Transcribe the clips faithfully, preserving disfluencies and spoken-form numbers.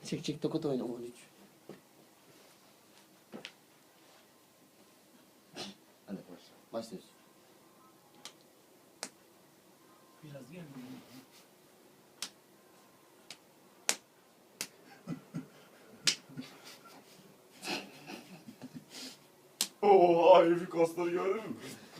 Çek çek tokat oyna on üç. Hadi başla. Başlıyoruz. Biraz gel. Oo, herifin kasları gördün mü?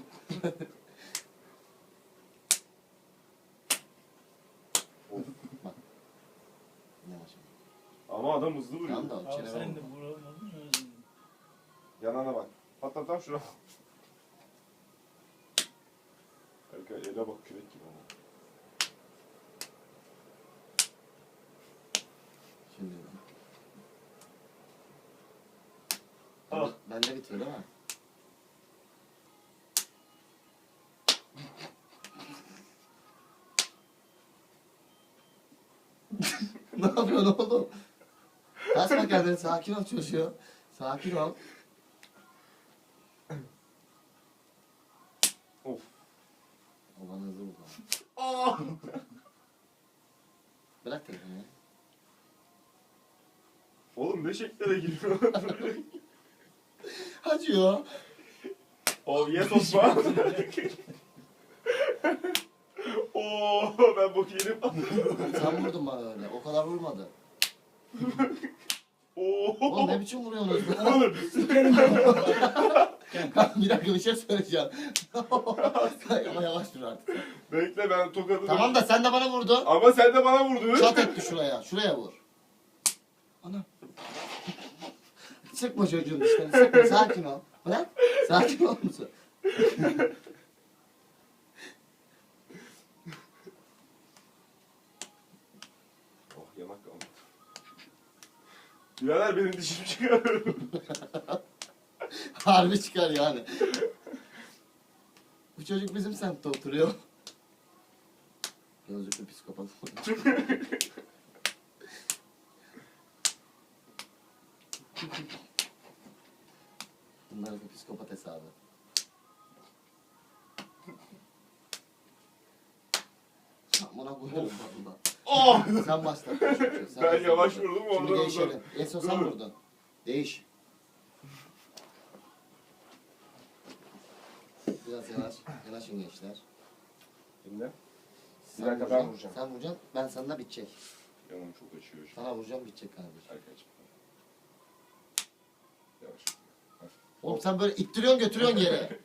Bak. Yavaş. Ama adam hızlı vuruyor. Tamam da o Abi çene sen de vurma. vuramadın mı? Yanına bak. Hatta tam şuna. Harika, ele bak kürek gibi ama. Şimdi. Ah. Ben de bitiyor değil mi? Ne yapıyorsun oğlum? Kasma kendini, sakin ol çocuğum. Sakin ol. Of. O bana hızlı vurdu. Aa! Bırak telefonu ya. Oğlum ne şeklere giriyor? Acıyor. Oh yes Osman. Oo, ben bok yedim. Sen vurdun bana öyle. O kadar vurmadı. Oo. Oğlum ne biçim vuruyorsunuz? Oğlum. Bir dakika bir şey söyleyeceğim. Ama yavaş dur artık. Bekle ben tokadı. Tamam da sen de bana vurdun. Ama sen de bana vurdun. Çat etti şuraya. Şuraya vur. Ana. Sıkma çocuğun dişlerini sıkma. Sakin ol. Bırak. Sakin ol musun? Oh yanak kaldı. Birader benim dişim çıkar. Harbi çıkar yani. Bu çocuk bizim semtte oturuyor. Gözlüklü psikopat. Bunlar bir psikopat hesabı. Buna koyarım valla. Oh! Sen başla. Sen Ben başla. yavaş vurdum, Şimdi oradan değişelim. Eso sen Dur. vurdun. Değiş. Biraz yavaş. Yanaşın gençler. Şimdi? Sen Bir dakika, ben vuracaksın, vuracağım. Sen vuracaksın. Ben sana bitecek. Yanım çok açıyor şu an. Sana vuracağım bitecek kardeşim. Arkadaşım. Yavaş. Oğlum sen böyle ittiriyorsun götürüyorsun yere.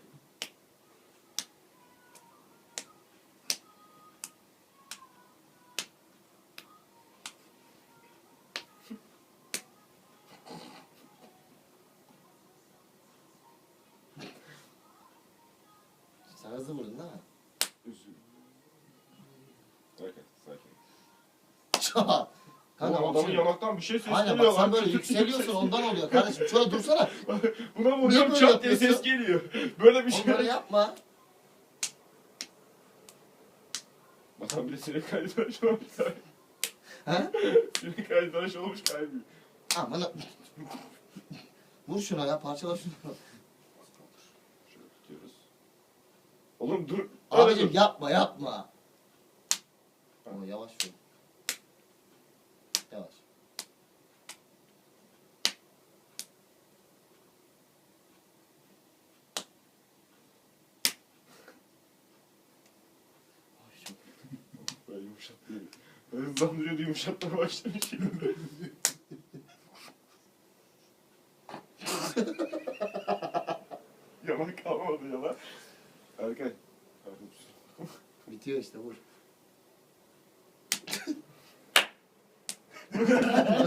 Sen hızlı vurdun değil mi? Üzül. Sakin, sakin. Çat. Kanka Oğlum bak adamın şimdi- yanaktan bir şey sesleniyor Aynen bak sen lan. böyle yükseliyorsun ondan oluyor kardeşim. Şöyle dursana. Buna Niye vuruyorum böyle çat diye ses yapıyorsun? geliyor. Böyle bir şey. Onları yapma. Adam bile sinek kaydı tıraş olmuş. He? Sinek kaydı tıraş olmuş kaybıyor. Aman. Vur şuna ya parçala şunu. Şöyle tutuyoruz. Oğlum dur. Abicim dur. yapma yapma. Ama yavaş vur. Yavaş. Ay, çok- Böyle yumuşattı. Böyle hızlandırıyordu yumuşatmaya başlamış şimdi. Yalan kalmadı yalan. Erkay. Bitiyor işte vur.